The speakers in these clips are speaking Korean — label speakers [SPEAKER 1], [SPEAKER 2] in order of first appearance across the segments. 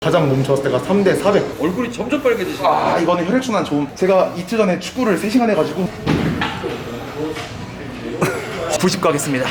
[SPEAKER 1] 가장 몸 좋았을 때가 3대 400.
[SPEAKER 2] 얼굴이 점점 빨개지시네.
[SPEAKER 1] 아, 이거는 혈액순환 좀. 제가 이틀 전에 축구를 3시간 해가지고 90 가겠습니다.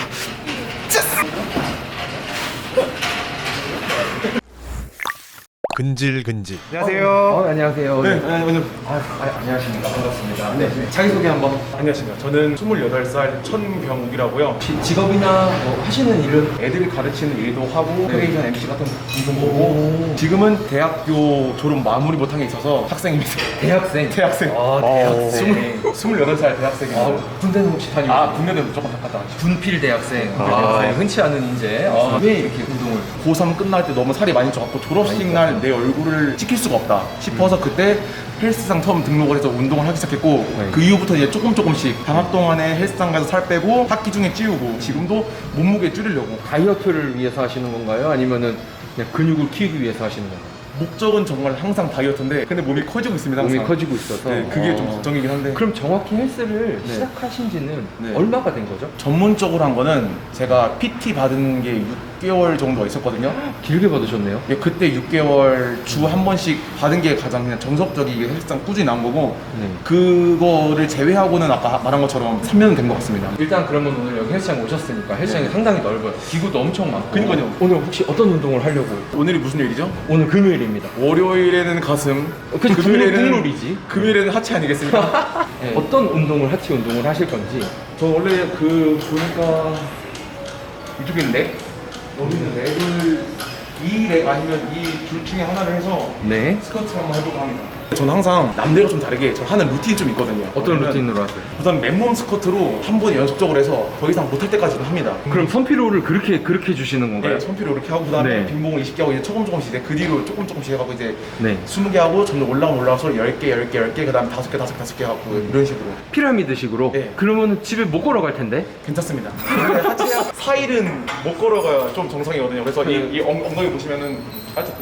[SPEAKER 3] 근질근질.
[SPEAKER 1] 안녕하세요.
[SPEAKER 2] 안녕하세요.
[SPEAKER 1] 네, 안녕하세요.
[SPEAKER 2] 안녕하십니까. 반갑습니다.
[SPEAKER 1] 네.
[SPEAKER 2] 자기소개 한번.
[SPEAKER 1] 안녕하십니까. 저는 28살 천병욱이라고요.
[SPEAKER 2] 직업이나 뭐 하시는 일은?
[SPEAKER 1] 애들 가르치는 일도 하고 크리에이션 MC 같은 방송 보고 지금은 대학교 졸업 마무리 못한 게 있어서 학생입니다.
[SPEAKER 2] 대학생.
[SPEAKER 1] 대학생.
[SPEAKER 2] 아, 대학생.
[SPEAKER 1] 28살 대학생입니다.
[SPEAKER 2] 아, 군대는 혹시 다니고?
[SPEAKER 1] 국내도 무조건 다 갔다 왔죠.
[SPEAKER 2] 군필 대학생. 흔치 않은 인재. 왜 이렇게 운동을?
[SPEAKER 1] 고3 끝날 때 너무 살이 많이 쪄갖고 졸업식 날 내 얼굴을 찍힐 수가 없다 싶어서 그때 헬스장 처음 등록을 해서 운동을 하기 시작했고 그 이후부터 이제 조금씩 방학 동안에 헬스장 가서 살 빼고 학기 중에 찌우고 지금도 몸무게 줄이려고.
[SPEAKER 2] 다이어트를 위해서 하시는 건가요? 아니면은 그냥 근육을 키우기 위해서 하시는 건가요?
[SPEAKER 1] 목적은 정말 항상 다이어트인데 근데 몸이 커지고 있습니다. 항상.
[SPEAKER 2] 몸이 커지고 있어서.
[SPEAKER 1] 네, 그게 좀 걱정이긴 한데.
[SPEAKER 2] 그럼 정확히 헬스를
[SPEAKER 1] 네.
[SPEAKER 2] 시작하신 지는
[SPEAKER 1] 네.
[SPEAKER 2] 얼마가 된 거죠?
[SPEAKER 1] 전문적으로 한 거는 제가 PT 받은 게 6개월 정도 있었거든요.
[SPEAKER 2] 길게 받으셨네요.
[SPEAKER 1] 예, 그때 6개월 주 한 번씩 받은 게 가장 그냥 정석적인 헬스장 꾸준히 나온 거고
[SPEAKER 2] 네.
[SPEAKER 1] 그거를 제외하고는 아까 말한 것처럼 3년은 된 것 같습니다.
[SPEAKER 2] 일단 그러면 오늘 여기 헬스장 오셨으니까 헬스장이 상당히 넓어요. 기구도 엄청 많고.
[SPEAKER 1] 그러니까요.
[SPEAKER 2] 오늘 혹시 어떤 운동을 하려고?
[SPEAKER 1] 오늘이 무슨 요일이죠?
[SPEAKER 2] 오늘 금요일입니다.
[SPEAKER 1] 월요일에는 가슴,
[SPEAKER 2] 그치, 국룰이지.
[SPEAKER 1] 금요일에는 하체 아니겠습니까?
[SPEAKER 2] 네. 어떤 운동을 하체 운동을 하실 건지.
[SPEAKER 1] 저 원래 보니까 이쪽에 렉? 여기 있는 렉을 이 렉 아니면 이 둘 중에 하나를 해서
[SPEAKER 2] 네.
[SPEAKER 1] 스쿼트 한번 해볼까 합니다. 저는 항상 남들과 좀 다르게 저 하는 루틴이 좀 있거든요.
[SPEAKER 2] 어떤
[SPEAKER 1] 왜냐면
[SPEAKER 2] 루틴으로 하세요?
[SPEAKER 1] 우선 맨몸 스쿼트로 한 번 연속적으로 해서 더 이상 못할 때까지는 합니다.
[SPEAKER 2] 그럼 선피로를 그렇게 주시는 건가요?
[SPEAKER 1] 네, 손피로 이렇게 하고 그다음에
[SPEAKER 2] 네.
[SPEAKER 1] 빈봉을 20개 하고 이제 조금씩 이제 그 뒤로 조금씩 해가고 이제
[SPEAKER 2] 네.
[SPEAKER 1] 20개 하고 점점 올라와서 10개 그다음에 5개 하고 이런 식으로.
[SPEAKER 2] 피라미드식으로?
[SPEAKER 1] 네.
[SPEAKER 2] 그러면 집에 못 걸어갈 텐데?
[SPEAKER 1] 괜찮습니다. 근데 하체 4일은 못 걸어가야 좀 정상이거든요. 그래서 이 엉덩이 보시면은 살짝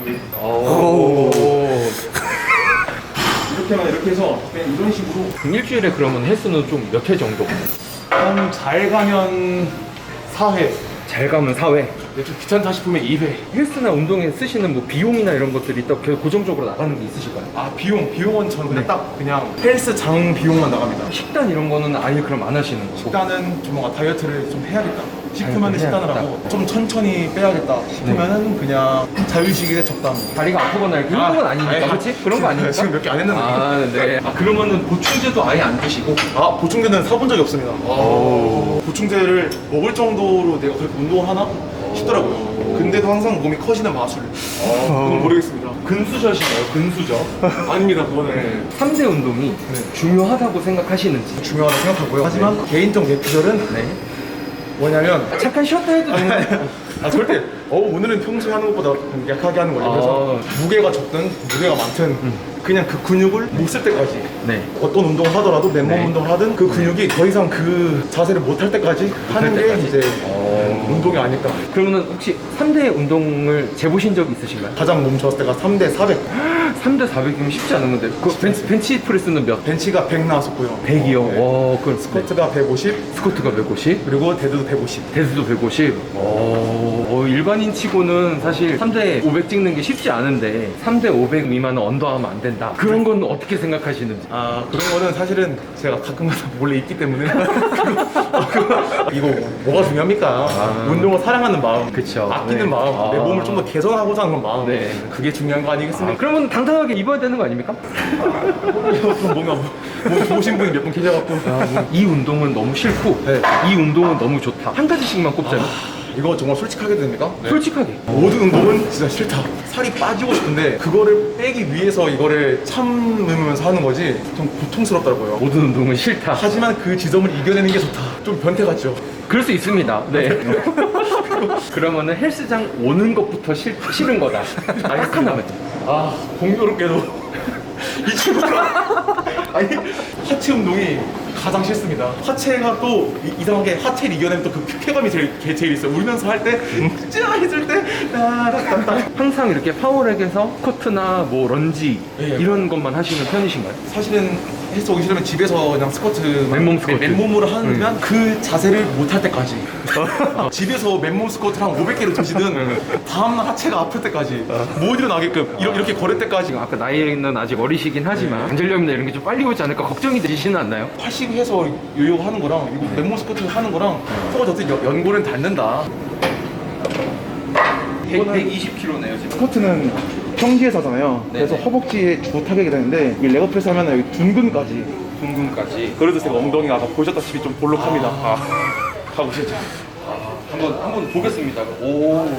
[SPEAKER 1] 이렇게 해서 그냥 이런 식으로
[SPEAKER 2] 그럼 일주일에 그러면 헬스는 좀 몇 회 정도?
[SPEAKER 1] 한 잘 가면 4회,
[SPEAKER 2] 잘 가면 4회.
[SPEAKER 1] 좀 귀찮다 싶으면 2회.
[SPEAKER 2] 헬스나 운동에 쓰시는 뭐 비용이나 이런 것들이 딱 고정적으로 나가는 게 있으실까요?
[SPEAKER 1] 비용은 저는 그냥
[SPEAKER 2] 네.
[SPEAKER 1] 딱 그냥 헬스장 비용만 나갑니다.
[SPEAKER 2] 식단 이런 거는 아예 그럼 안 하시는 거고?
[SPEAKER 1] 식단은 좀 뭔가 다이어트를 좀 해야겠다 싶으면
[SPEAKER 2] 다이어트를
[SPEAKER 1] 식단을
[SPEAKER 2] 해야겠다.
[SPEAKER 1] 하고 좀 천천히 빼야겠다 싶으면은 그냥 자유식에 적당히.
[SPEAKER 2] 다리가 아프거나 그런 건 아니니까, 그렇지? 그런 거 아니니까?
[SPEAKER 1] 지금 몇 개 안 했는데.
[SPEAKER 2] 네. 그러면은 보충제도 아예 안 드시고?
[SPEAKER 1] 보충제는 사본 적이 없습니다. 보충제를 먹을 정도로 내가 그렇게 운동을 하나 싶더라고요. 근데도 항상 몸이 커지는 마술. 그건 모르겠습니다.
[SPEAKER 2] 근수저시네요, 근수저.
[SPEAKER 1] 아닙니다, 그거는.
[SPEAKER 2] 3대 운동이 중요하다고 생각하시는지?
[SPEAKER 1] 중요하다고 생각하고요. 하지만 개인적 내피셜은
[SPEAKER 2] 네.
[SPEAKER 1] 뭐냐면
[SPEAKER 2] 잠깐 쉬었다 해도 되는데.
[SPEAKER 1] 절대 오늘은 평소에 하는 것보다 약하게 하는 거예요. 그래서 무게가 적든 무게가 많든 그냥 그 근육을 못 쓸 때까지
[SPEAKER 2] 네.
[SPEAKER 1] 어떤 운동을 하더라도 맨몸
[SPEAKER 2] 네.
[SPEAKER 1] 운동을 하든 그 근육이 더 이상 그 자세를 못 할 때까지 하는 게
[SPEAKER 2] 때까지.
[SPEAKER 1] 이제 운동이 아닐까.
[SPEAKER 2] 그러면은 혹시 3대 운동을 재보신 적 있으신가요?
[SPEAKER 1] 가장 몸 좋았을 때가 3대 400.
[SPEAKER 2] 3대 400이면 쉽지 않은 건데. 그 벤치 프레스는 몇?
[SPEAKER 1] 벤치가 100 나왔었고요.
[SPEAKER 2] 100이요?
[SPEAKER 1] 네.
[SPEAKER 2] 와, 그럼
[SPEAKER 1] 스쿼트가 150
[SPEAKER 2] 스쿼트가 150?
[SPEAKER 1] 그리고 데드도 150.
[SPEAKER 2] 데스도 150? 일반인 치고는 사실 3대 500 찍는 게 쉽지 않은데 3대 500 미만은 언더하면 안 된다. 그런 건 어떻게 생각하시는지?
[SPEAKER 1] 그런 거는 사실은 제가 가끔가다 몰래 있기 때문에 이거 뭐가 중요합니까? 운동을 사랑하는 마음,
[SPEAKER 2] 그쵸.
[SPEAKER 1] 아끼는
[SPEAKER 2] 네.
[SPEAKER 1] 마음, 내 몸을 좀 더 개선하고자 하는 마음,
[SPEAKER 2] 네.
[SPEAKER 1] 그게 중요한 거 아니겠습니까?
[SPEAKER 2] 그러면 당당하게 입어야 되는 거 아닙니까?
[SPEAKER 1] 좀 뭔가 몸 좋으신 분이 몇 분 계셔갖고
[SPEAKER 2] 이 운동은 너무 싫고
[SPEAKER 1] 네.
[SPEAKER 2] 이 운동은 너무 좋다. 한 가지씩만 꼽자면
[SPEAKER 1] 이거 정말 솔직하게 됩니까?
[SPEAKER 2] 솔직하게.
[SPEAKER 1] 모든 운동은 진짜 싫다. 살이 빠지고 싶은데 그거를 빼기 위해서 이거를 참으면서 하는 거지 좀 고통스럽더라고요.
[SPEAKER 2] 모든 운동은 싫다.
[SPEAKER 1] 하지만 그 지점을 이겨내는 게 좋다. 좀 변태 같죠?
[SPEAKER 2] 그럴 수 있습니다. 네. 그러면은 헬스장 오는 것부터 싫은 거다. 딱 하나만.
[SPEAKER 1] 공교롭게도 이 친구가 하체 운동이 가장 싫습니다. 하체가 또 이상하게 하체를 이겨내면 또 그 쾌감이 제일 있어요. 울면서 할 때, 짜 했을 때, 따닥따닥.
[SPEAKER 2] 항상 이렇게 파워렉에서 스쿼트나 뭐 런지
[SPEAKER 1] 네.
[SPEAKER 2] 이런 것만 하시는 편이신가요?
[SPEAKER 1] 사실은 헬스 오기 싫으면 집에서 그냥 스쿼트
[SPEAKER 2] 맨몸 스쿼트.
[SPEAKER 1] 맨몸으로 하면 그 자세를 못 할 때까지 집에서 맨몸 스쿼트를 한 500개를 드시든 다음날 하체가 아플 때까지 못 일어나게끔 이렇게 걸을 때까지.
[SPEAKER 2] 아까 나이는 아직 어리시긴 하지만 관절염이나 이런 게 좀 빨리 오지 않을까 걱정이 되시는 않나요?
[SPEAKER 1] 80 해서 요요 하는 거랑 이거 맨몸 스쿼트 하는 거랑 서로 어떻게 연골은 닿는다.
[SPEAKER 2] 120kg네요 지금.
[SPEAKER 3] 스쿼트는 평지에서잖아요. 그래서 허벅지에 주 타격이 되는데 이 레그프레스 하면 여기 둔근까지.
[SPEAKER 2] 둥근까지.
[SPEAKER 1] 그래도 제가 엉덩이가 아까 보셨다시피 좀 볼록합니다. 가보시죠.
[SPEAKER 2] 한번 보겠습니다. 오.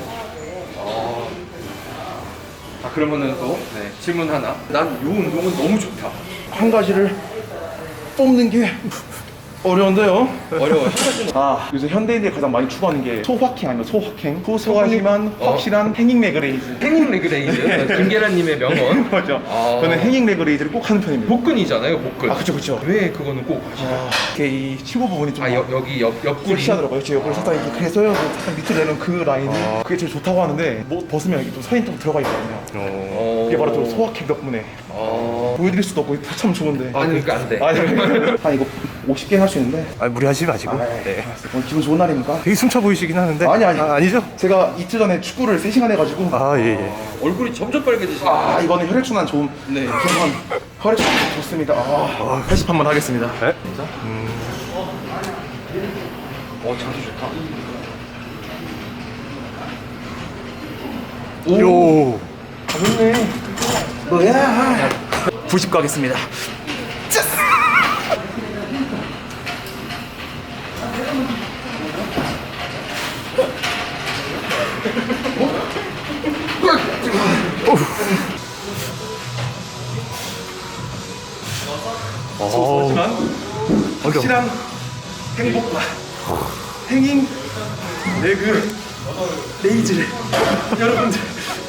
[SPEAKER 2] 그러면은 또 질문 하나. 난 이 운동은 너무 좋다.
[SPEAKER 3] 한 가지를 뽑는 게 어려운데요.
[SPEAKER 2] 어려워요.
[SPEAKER 3] 요새 현대인들이 가장 많이 추구하는 게 소확행 아니면 소확행. 소수가 심한 확실한 행잉 레그레이즈.
[SPEAKER 2] 행잉 레그레이즈. 김계란님의 명언.
[SPEAKER 3] 맞죠.
[SPEAKER 2] 저는
[SPEAKER 3] 행잉 레그레이즈를 꼭 하는 편입니다.
[SPEAKER 2] 복근이잖아요, 복근.
[SPEAKER 3] 그쵸.
[SPEAKER 2] 왜 그거는 꼭 하시나요?
[SPEAKER 3] 이렇게 이 치고 부분이 좀
[SPEAKER 2] 여기 옆구리.
[SPEAKER 3] 섹시하더라고요. 제 옆구리 살짝 이렇게 그래서요. 살짝 밑으로 내는 그 라인이 그게 제일 좋다고 하는데 뭐 벗으면 이게 또 선이 좀 들어가 있거든요. 그게 바로 또 소확행 덕분에 보여드릴 수도 없고 참 좋은데.
[SPEAKER 2] 그러니까 안 돼.
[SPEAKER 3] 한 이거 50개 할 수 있는데.
[SPEAKER 4] 무리하지 마시고.
[SPEAKER 3] 네. 오늘 기분 좋은 날입니까?
[SPEAKER 4] 되게 숨차 보이시긴 하는데. 아니죠?
[SPEAKER 3] 제가 이틀 전에 축구를 3시간 해가지고
[SPEAKER 4] 예.
[SPEAKER 2] 얼굴이 점점 빨개지시네.
[SPEAKER 3] 이거는 혈액순환 좋은 혈액순환 좋습니다. 80 한번 하겠습니다.
[SPEAKER 4] 네?
[SPEAKER 2] 자세 좋다.
[SPEAKER 4] 요.
[SPEAKER 3] 가볍네. 뭐야? 90 가겠습니다.
[SPEAKER 1] 하지만 확실한 행복과 행잉 레그 레이즈를 여러분들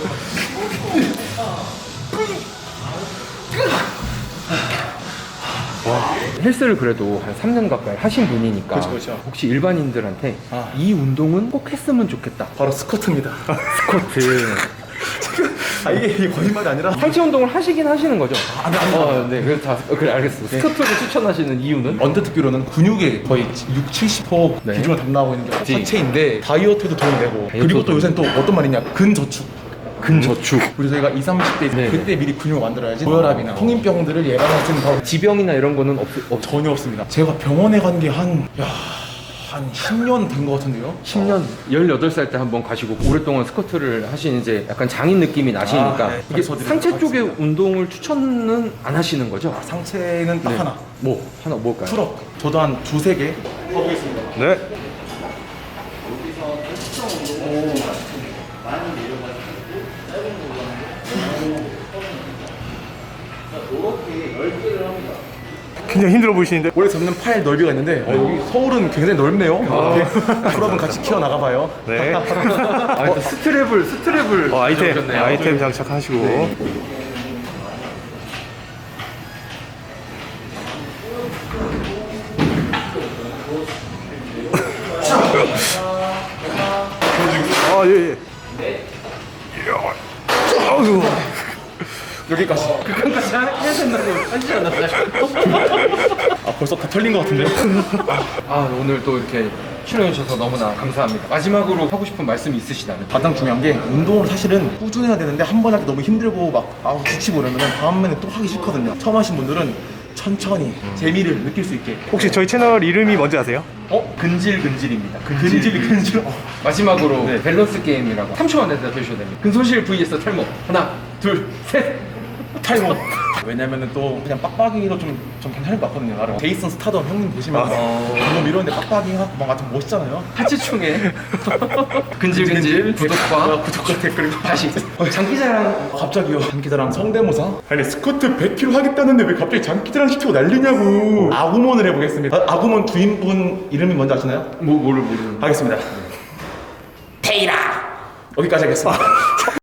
[SPEAKER 2] 헬스를 그래도 한 3년 가까이 하신 분이니까
[SPEAKER 1] 그렇죠.
[SPEAKER 2] 혹시 일반인들한테 이 운동은 꼭 했으면 좋겠다.
[SPEAKER 1] 바로 스쿼트입니다.
[SPEAKER 2] 스쿼트.
[SPEAKER 1] 이게 거짓말이 아니라
[SPEAKER 2] 상체 운동을 하시긴 하시는 거죠?
[SPEAKER 1] 아니.
[SPEAKER 2] 네, 그래 알겠어. 스쿼트를 추천하시는 이유는?
[SPEAKER 1] 언뜻 듣기로는 근육의 거의 70%
[SPEAKER 2] 네.
[SPEAKER 1] 비중을 담당하고 있는 게
[SPEAKER 2] 그치.
[SPEAKER 1] 하체인데 다이어트에도 도움이 되고 그리고
[SPEAKER 2] 다이어트도
[SPEAKER 1] 또 요새는 또 어떤 말이냐 근저축.
[SPEAKER 2] 근저축.
[SPEAKER 1] 우리 저희가 20, 30대
[SPEAKER 2] 네.
[SPEAKER 1] 그때 미리 근육을 만들어야지 고혈압이나 성인병들을 예방할 수 있는 방법
[SPEAKER 2] 지병이나 이런 거는
[SPEAKER 1] 전혀 없습니다. 제가 병원에 간 게 한 10년 된 것 같은데요?
[SPEAKER 2] 10년, 18살 때 한번 가시고 오랫동안 스쿼트를 하신 이제 약간 장인 느낌이 나시니까
[SPEAKER 1] 네.
[SPEAKER 2] 이게
[SPEAKER 1] 저도
[SPEAKER 2] 상체 쪽의
[SPEAKER 1] 하겠습니다.
[SPEAKER 2] 운동을 추천은 안 하시는 거죠?
[SPEAKER 1] 상체는 딱
[SPEAKER 2] 네.
[SPEAKER 1] 하나.
[SPEAKER 2] 하나 뭘까요?
[SPEAKER 1] 풀업. 저도 한 두세 개. 가보겠습니다.
[SPEAKER 4] 네. 굉장히 힘들어 보이시는데.
[SPEAKER 1] 원래 잡는 팔 넓이가 있는데 여기 서울은 굉장히 넓네요. 풀업은 같이 키워 나가봐요.
[SPEAKER 4] 네.
[SPEAKER 2] 또 스트랩을
[SPEAKER 4] 아이템
[SPEAKER 2] 적으셨네요.
[SPEAKER 4] 아이템 장착하시고. 예. 아유.
[SPEAKER 1] 여기까지.
[SPEAKER 2] 끝까지 해야 된다고 하시지 않았나요?
[SPEAKER 1] 벌써 다 털린 것 같은데요?
[SPEAKER 2] 오늘 또 이렇게 출연해주셔서 너무나 감사합니다. 마지막으로 하고 싶은 말씀이 있으시다면?
[SPEAKER 1] 가장 중요한 게 운동을 사실은 꾸준해야 되는데 한 번 할 때 너무 힘들고 막 지치고 그러면 다음에는 또 하기 싫거든요. 처음 하신 분들은 천천히 재미를 느낄 수 있게.
[SPEAKER 4] 혹시 저희 채널 이름이 뭔지 아세요?
[SPEAKER 2] 근질근질입니다.
[SPEAKER 1] 근질.
[SPEAKER 2] 마지막으로 밸런스 게임이라고 3초 안에 대답해주셔야 됩니다. 근손실 vs 탈모. 하나, 둘, 셋.
[SPEAKER 1] 탈모. 왜냐면은 또 그냥 빡빡이로 좀 괜찮을 것 같거든요. 나름. 제이슨 스타덤 형님 보시면 너무 이러는데 빡빡이 하고 막 좀 멋있잖아요.
[SPEAKER 2] 하치충에 근질근질 구독과
[SPEAKER 1] 댓글
[SPEAKER 2] 다시 장기자랑
[SPEAKER 1] 갑자기요. 장기자랑 성대모사? 아니 스쿼트 100kg 하겠다는데 왜 갑자기 장기자랑 시키고 난리냐고. 아구몬을 해보겠습니다. 아구몬 주인분 이름이 뭔지 아시나요?
[SPEAKER 2] 뭐를 모르는
[SPEAKER 1] 하겠습니다. 페이라. 여기까지 하겠습니다.